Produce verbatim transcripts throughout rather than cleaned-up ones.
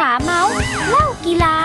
าเมาส์เล่ากีฬา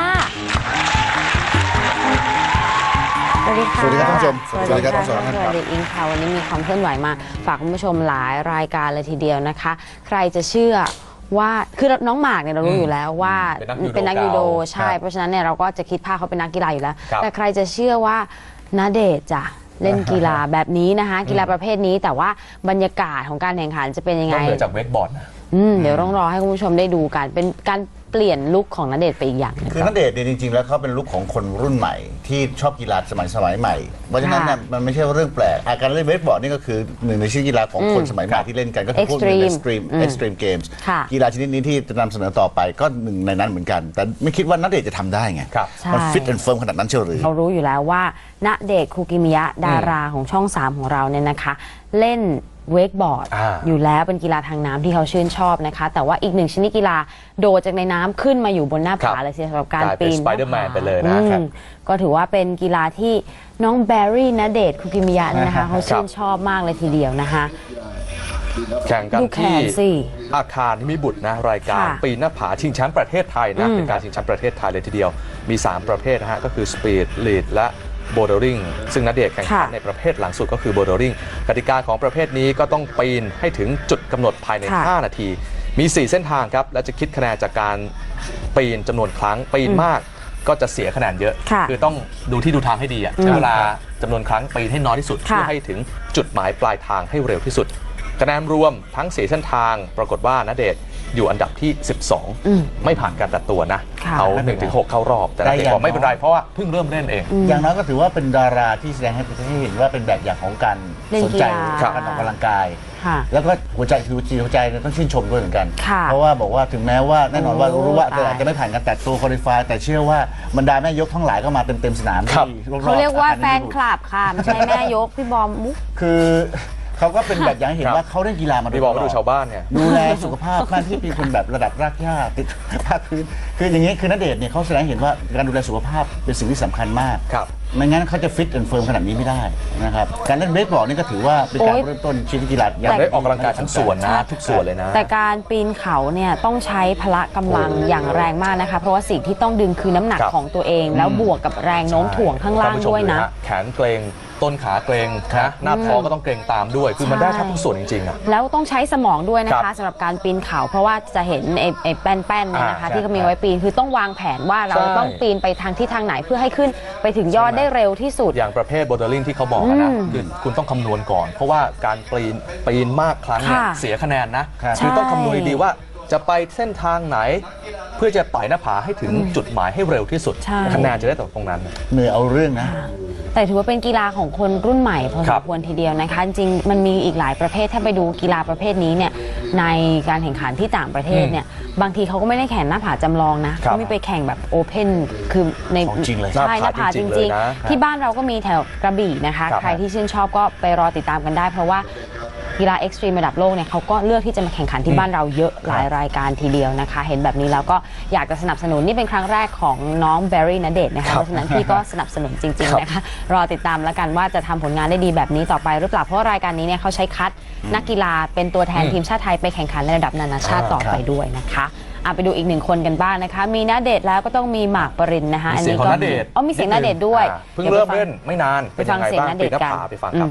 สวัสดีค่ะสวัสดีครับท่านผู้ชมสวัสดีครับสวัสดีอิงค่ะวันนี้มีความเคลื่อนไหวมาฝากคุณผู้ชมหลายรายการเลยทีเดียวนะคะใครจะเชื่อว่าคือน้องหมากเนี่ยเรารู้อยู่แล้วว่าเป็นนักยูโดใช่เพราะฉะนั้นเนี่ยเราก็จะคิดภาพเขาเป็นนักกีฬาอยู่แล้วแต่ใครจะเชื่อว่าณเดชน์จะเล่นกีฬาแบบนี้นะคะกีฬาประเภทนี้แต่ว่าบรรยากาศของการแข่งขันจะเป็นยังไงนอกเหนือจากเวกบอร์ดนะเดี๋ยวต้องรอให้คุณผู้ชมได้ดูกันเป็นการเปลี่ยนลุคของณเดชน์ไปอีกอย่างนึงคือณเดชน์เนี่ยจริงๆแล้วเขาเป็นลุคของคนรุ่นใหม่ที่ชอบกีฬาสมัยสมัยใหม่เพราะฉะนั้นเนี่ยมันไม่ใช่เรื่องแปลกการเล่นเวกบอร์ดนี่ก็คือหนึ่งในชื่อกีฬาของคนสมัยใหม่ที่เล่นกันก็คือพวก extreme extreme games กีฬาชนิดนี้ที่จะนำเสนอต่อไปก็หนึ่งในนั้นเหมือนกันแต่ไม่คิดว่าณเดชน์จะทำได้ไงมันฟิตแอนด์เฟิร์มขนาดนั้นเชียวหรือเรารู้อยู่แล้วว่าณเดชน์คูกิมิยะดาราของช่องสามของเราเนี่ยนะคะเล่นเวกบอร์ดอยู่แล้วเป็นกีฬาทางน้ำที่เขาชื่นชอบนะคะแต่ว่าอีกหนึ่งชนิดกีฬาโดดจากในน้ำขึ้นมาอยู่บนหน้าผาเลยสำหรับการปีนสไปเดอร์แมนไปเลยนะครับก็ถือว่าเป็นกีฬาที่น้องแบร์รี่ณเดชน์คูกิมิยะนะคะเขาชื่นชอบมากเลยทีเดียวนะคะแข่งกันที่อาคารที่มีบุตรนะรายการปีนหน้าผาชิงแชมป์ประเทศไทยนะเป็นการชิงแชมป์ประเทศไทยเลยทีเดียวมีสามประเภทนะฮะก็คือสปีดลีดและโบว์ดริงซึ่งณเดชน์แข่งขันในประเภทหลังสุดก็คือโบว์ดริงกติกาของประเภทนี้ก็ต้องปีนให้ถึงจุดกำหนดภายในห้านาทีมีสี่เส้นทางครับและจะคิดคะแนนจากการปีนจำนวนครั้งปีนมากก็จะเสียคะแนนเยอะคือต้องดูที่ดูทางให้ดีอ่ะใช้เวลาจำนวนครั้งปีนให้น้อยที่สุดเพื่อให้ถึงจุดหมายปลายทางให้เร็วที่สุดคะแนนรวมทั้งสี่เส้นทางปรากฏว่าณเดชน์อยู่อันดับที่สิบสองไม่ผ่านการตัดตัวนะเขา หนึ่งถึงหก เข้ารอบแต่ณเดชน์บอกไม่เป็นไรเพราะว่าเพิ่งเริ่มเล่นเองอย่างน้อยก็ถือว่าเป็นดาราที่แสดงให้เห็นว่าเป็นแบบอย่างของการสนใจการออกกำลังกายแล้วก็หัวใจคือจิตหัวใจต้องชื่นชมด้วยเหมือนกันเพราะว่าบอกว่าถึงแม้ว่าแน่นอนว่ารู้ว่าอาจจะไม่ผ่านการตัดตัวคอลิฟายแต่เชื่อว่าบรรดาแม่ยกทั้งหลายก็มาเต็มเต็มสนามเขาเรียกว่าแฟนคลับค่ะไม่ใช่แม่ยกพี่บอมมุกคือเขาก็เป็นแบบอย่างเห็นว่าเขาเล่นกีฬามาโดยตลอดบอกว่าดูชาวบ้านเนี่ยดูแลสุขภาพบ้านที่เป็นคนแบบระดับรากหญ้าติดภาคพื้นคืออย่างนี้คือณเดชน์เนี่ยเขาแสดงเห็นว่าการดูแลสุขภาพเป็นสิ่งที่สำคัญมากไม่งั้นเขาจะฟิตแอนด์เฟิร์มขนาดนี้ไม่ได้นะครับการเล่นเวกบอร์ดนี่ก็ถือว่าเป็นการเริ่มต้นชีวิตกีฬาอย่างได้ออกกำลังกายทั้งส่วนนะทุกส่วนเลยนะแต่การปีนเขาเนี่ยต้องใช้พละกำลังอย่างแรงมากนะคะเพราะว่าสิ่งที่ต้องดึงคือน้ำหนักของตัวเองแล้วบวกกับแรงโน้มถ่วงข้างล่างด้วยนะแขนเกร็งต้นขาเกร็งนะหน้าท้องก็ต้องเกร็งตามด้วยคือมันได้ทั้งทุกส่วนจริงๆอ่ะแล้วต้องใช้สมองด้วยนะคะสำหรับการปีนเขาเพราะว่าจะเห็นไอ้แป้นๆเนี่ยนะคะที่เขามีไว้ปีนคือต้องวางแผนว่าเราต้องปีนไปทางที่ทางไหนเพื่อให้ขึ้นไปถึงยอดได้เร็วที่สุดอย่างประเภทโบว์ดริงที่เขาบอกนะคือคุณต้องคำนวณก่อนเพราะว่าการปีนปีนมากครั้งเนี่ยเสียคะแนนนะคือต้องคำนวณดีๆว่าจะไปเส้นทางไหนเพื่อจะไต่หน้าผาให้ถึงจุดหมายให้เร็วที่สุดคะแนนจะได้ตรงนั้นเหนื่อยเอาเรื่องนะแต่ถือว่าเป็นกีฬาของคนรุ่นใหม่พอสมควรทีเดียวนะคะจริงมันมีอีกหลายประเภทถ้าไปดูกีฬาประเภทนี้เนี่ยในการแข่งขันที่ต่างประเทศเนี่ยบางทีเขาก็ไม่ได้แข่งหน้าผาจำลองนะเขาไม่ไปแข่งแบบโอเพนคือในใช่หน้าผาจริงๆที่บ้านเราก็มีแถวกระบี่นะคะใครที่ชื่นชอบก็ไปรอติดตามกันได้เพราะว่ากีฬาเอ็กซ์ตรีมระดับโลกเนี่ยเขาก็เลือกที่จะมาแข่งขันที่บ้านเราเยอะหลายรายการทีเดียวนะคะเห็นแบบนี้แล้วก็อยากจะสนับสนุนนี่เป็นครั้งแรกของน้องแบร์รี่ณเดชน์นะคะเพราะฉะนั้นพี่ก็สนับสนุนจริงๆนะคะรอติดตามแล้วกันว่าจะทำผลงานได้ดีแบบนี้ต่อไปหรือเปล่าเพราะรายการนี้เนี่ยเขาใช้คัดนักกีฬาเป็นตัวแทนทีมชาติไทยไปแข่งขันในระดับนานาชาติต่อไปด้วยนะคะเอาไปดูอีกหนึ่งคนกันบ้างนะคะมีณเดชน์แล้วก็ต้องมีหมากปรินนะคะอันนี้ก็อ๋อมีเสียงณเดชน์ด้วยเพิ่งเริ่มเล่นไม่นานไปฟังเสียงณเดชน์กันไปฟังครับ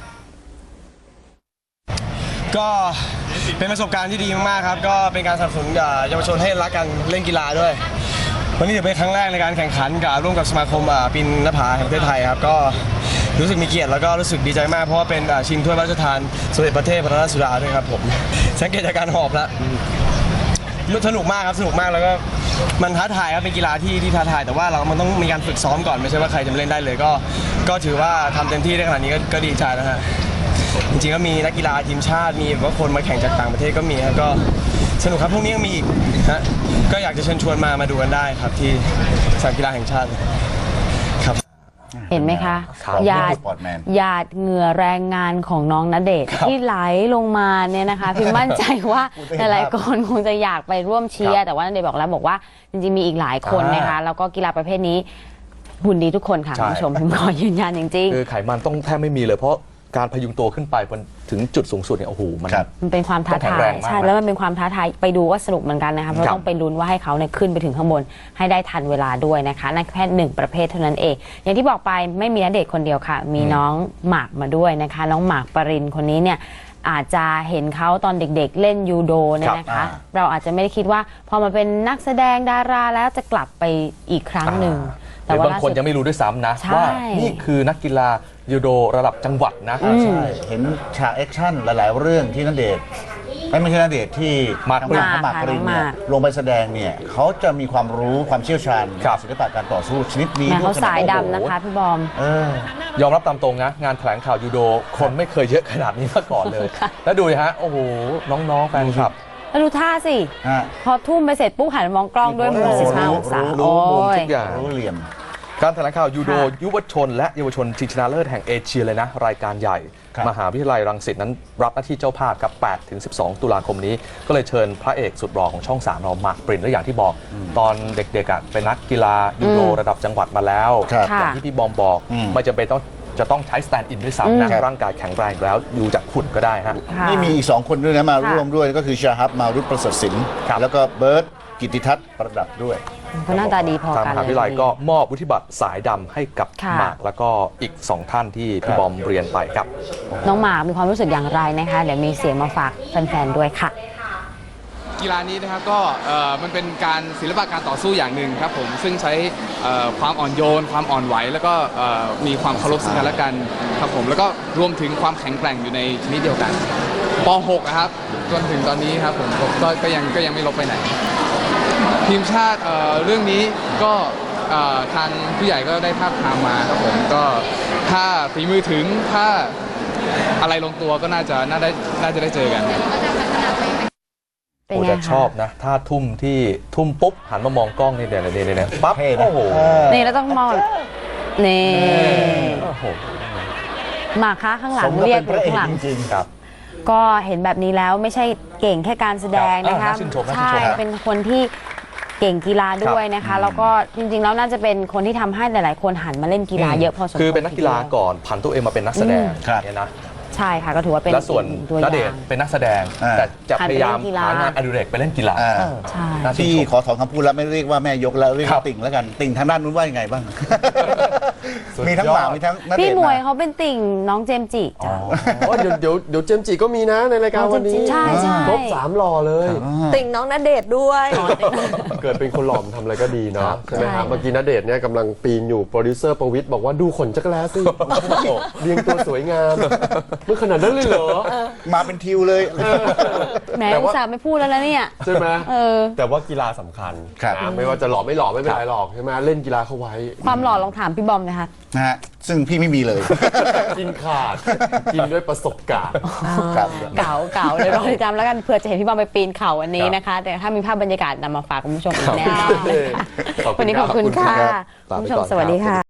ก็เป็นประสบการณ์ที่ดีมากๆครับก็เป็นการสนับสนุนเยาวชนให้รักกันเล่นกีฬาด้วยวันนี้ถือเป็นครั้งแรกในการแข่งขันกับร่วมกับสมาคมปีนหน้าผาแห่งประเทศไทยครับก็รู้สึกมีเกียรติแล้วก็รู้สึกดีใจมากเพราะว่าเป็นชิงถ้วยพระราชทานสมเด็จพระเทพรัตนราชสุดาด้วยครับผมสังเกตจากการหอบแล้วสนุกมากครับสนุกมากแล้วก็มันท้าทายครับเป็นกีฬาที่ที่ท้าทายแต่ว่าเรามันต้องมีการฝึกซ้อมก่อนไม่ใช่ว่าใครจะเล่นได้เลยก็ก็ถือว่าทำเต็มที่ได้ขนาดนี้ก็ดีใจแล้วฮะจริงๆก็มีนักกีฬาทีมชาติมีว่าคนมาแข่งจากต่างประเทศก็มีครับก็สนุกครับพรุ่งนี้ยังมีอีกฮะก็อยากจะเชิญชวนมามาดูกันได้ครับที่สนามกีฬาแห่งชาติครับเห็นไหมคะหยาดหยาดเหงื่อแรงงานของน้องณเดชน์ที่ไหลลงมาเนี่ยนะคะพี่มั่นใจว่าหลายๆคนคงจะอยากไปร่วมเชียร์แต่ว่าณเดชน์บอกแล้วบอกว่าจริงๆมีอีกหลายคนนะคะแล้วก็กีฬาประเภทนี้หุ่นดีทุกคนค่ะคุณผู้ชมพิมพ์ขอยืนยันจริงๆคือไขมันต้องแทบไม่มีเลยเพราะการพยุงตัวขึ้นไปบนถึงจุดสูงสุดเนี่ยโอ้โหมันครับมันเป็นความท้าต้องแข็ทางแรยงมากใช่นะแล้วมันเป็นความท้าทายไปดูก็สนุกเหมือนกันนะคะเพราะครับต้องไปลุ้นว่าให้เขาเนี่ยขึ้นไปถึงข้างบนให้ได้ทันเวลาด้วยนะคะนั่นแค่หนึ่งประเภทเท่านั้นเอง อย่างที่บอกไปไม่มีณเดชน์คนเดียวค่ะ มีน้องหมากมาด้วยนะคะ น้องหมากปรินคนนี้เนี่ยอาจจะเห็นเขาตอนเด็กๆ เล่นยูโดเนี่ยนะครัคะบเราอาจจะไม่ได้คิดว่าพอมาเป็นนักแสดงดาราแล้วจะกลับไปอีกครั้งหนึ่งแต่บางคนยังไม่รู้ด้วยซ้ำนะใช่ว่านี่คือนักกีฬายูโดระดับจังหวัดนะอ่าใช่เห็นฉากแอคชั่นหลาย ๆ เรื่องที่ณเดชน์ไม่ไม่ใช่ณเดชน์ที่หมากปรินทงหมากปรินเนี่ยหมากลงไปแสดงเนี่ยเขาจะมีความรู้ความเชี่ยวชาญครับศิลปะการต่อสู้ชนิดนี้แม่เขาด้วยสายขนดำนะคะพี่บอมเออยอมรับตามตรงนะ งานแถลงข่าวยูโดคนไม่เคยเยอะขนาดนี้มาก่อนเลยค่ะแล้วดูนะฮะ โอ้โห น้องๆแฟนคลับแล้วดูท่าสิฮะพอทุ่มไปเสร็จปุ๊บหันมามองกล้องด้วยมุมโอ้โหสิบห้าองศารู้โอ้มุมยทุกอย่างรู้เหลี่ยมการแถลงข่าวยูโดค่ะยุวชน และเยาวชนชิงชนะเลิศแห่งเอเชียเลยนะ รายการใหญ่ครับมหาวิทยาลัยรังสิตนั้นรับหน้าที่เจ้าภาพครับแปดถึงสิบสอง ตุลาคมนี้ ก็เลยเชิญพระเอกสุดหล่อของช่องสามเราหมากปรินและอย่างที่บอก ตอนเด็กๆอ่ะเป็นนักกีฬายูโดระดับจังหวัดมาแล้วครับอย่างที่พี่บอมบอกอืมไม่จำเป็นต้องจะต้องใช้สแตนด์อินด้วยซ้ำนะร่างกายแข็งแรงอยู่แล้วดูจากหุ่นก็ได้ฮะค่ะนี่มีอีกสองคนด้วยนะมาค่ะร่วมด้วยก็คือชาฮับมารุตประเสริฐศิลป์ครับแล้วก็เบิร์ตกิตติทัศน์ประดับด้วยเขาหน้าตาดีพอทางกัมนหาวิทยาลัยก็มอบวุฒิบัตรสายดำให้กับค่ะหมากแล้วก็อีกสองท่านที่พี่บอมเรียนไปครับน้องหมากมีความรู้สึกอย่างไรนะคะ เดี๋ยวมีเสียงมาฝากแฟนๆด้วยค่ะกีฬานี้นะครับก็เอ่อมันเป็นการศิลปะการต่อสู้อย่างหนึ่งครับผมซึ่งใช้เอ่อความอ่อนโยน ความอ่อนไหวแล้วก็เอ่อมีความเคารพซึ่งกันและกันครับผมแล้วก็รวมถึงความแข็งแกร่งอยู่ในชนิดเดียวกันป หกนะครับจนถึงตอนนี้ครับผมก็ก็ก็ยังก็ยังไม่ลบไปไหน ทีมชาติเอ่อเรื่องนี้ก็เอ่อทางผู้ใหญ่ก็ได้ภาพทามมาครับผมก็ถ้าฝีมือถึงถ้าอะไรลงตัวก็น่าจะน่าได้น่าจะได้เจอกันเป็นโอ้ไงแต่คะชอบนะ ถ้าทุ่มที่ทุ่มปุ๊บ หันมามองกล้องนี่เดี๋ยวนี่นี่นี่ปั๊บเท่นะโอ้โหเออนี่แล้วต้องมองนี่โอ้โหหมากคะข้างหลัสงมกับเรียเป็กนพระเอกข้างหลังจริงๆครับก็เห็นแบบนี้แล้วไม่ใช่เก่งแค่การแสดงนะครัคะบน่าชื่นชมน่าชื่นใช่ชมครับเป็นคนที่เก่งกีฬาด้วยนะคะ แล้วก็จริงๆแล้วน่าจะเป็นคนที่ทำให้หลายๆ คนหันมาเล่นกีฬาเยอะพอสมควรคือเป็นนักกีฬาก่อนผันตัวเองมาเป็นนักแสดงครับเนี่ยนะใช่ค่ะก็ถือว่าเป็นแล้วส่วนอีกตัวอณย่างเดชน์เป็นนักแสดงอ่าแต่จะหันพไปยายามเล่นกีฬาหางานอดิเรกไปเล่นกีฬาอ่าใช่น่าชื่นที่ชมขอถอนคำพูดแล้วไม่เรียกว่าแม่ยกแล้วเรียกครัว่าบติ่งแล้วกันติ่งทางด้านนู้นว่ายังไงบ้างสุดมีทั้งยอดหมากมีทั้งณเดพี่ชน์หมวยนะเขาเป็นติ่งน้องเจมส์จิจ้ะอ๋อเดี๋ยวเดี๋ยวเดี๋ยวเจมส์จิก็มีนะในรายการวันนี้ใช่ใช่ครบสามหล่อเลยติ่งน้องณเดชน์ด้วยเกิดเป็นคนหล่อมทำอะไรก็ดีเนาะใช่ไหมใช่ฮะเมื่อกี้ณเดชน์เนี่ยกำลังปีนอยู่โปรดิวเซอร์ประวิทย์บอกว่าดูขนจักรแล้สิเรียงตัวสวยงามเมื่อขนาดนั้นเลยเหรอมาเป็นทิวเลยแหมแต่อุว่าตส่าห์ไม่พูดแล้วนะเนี่ยใช่ไหมเออแต่ว่ากีฬาสำคัญครับนะไม่ว่าจะหล่อไม่หล่อไม่เป็นไรหรอกใช่ไหมเล่นกีฬาเข้าไว้ความหล่อลองถามพี่บอมนะคะนะฮะซึ่งพี่ไม่มีเลยกินขาดกินด้วยประสบการณ์ครับเก่าเก่าเลยรอติดตามแล้วกันเผื่อจะเห็นพี่บอมไปปีนเขาวันนี้นะคะ แต่ถ้ามีภาพบรรยากาศนำมาฝากคุณผู้ชมอีกแน่นอนนะคะขอบคุณวันนี้ขอบคุณครับค่ะลาคุณไปผู้ชมก่อนสวัสดีครับค่ะ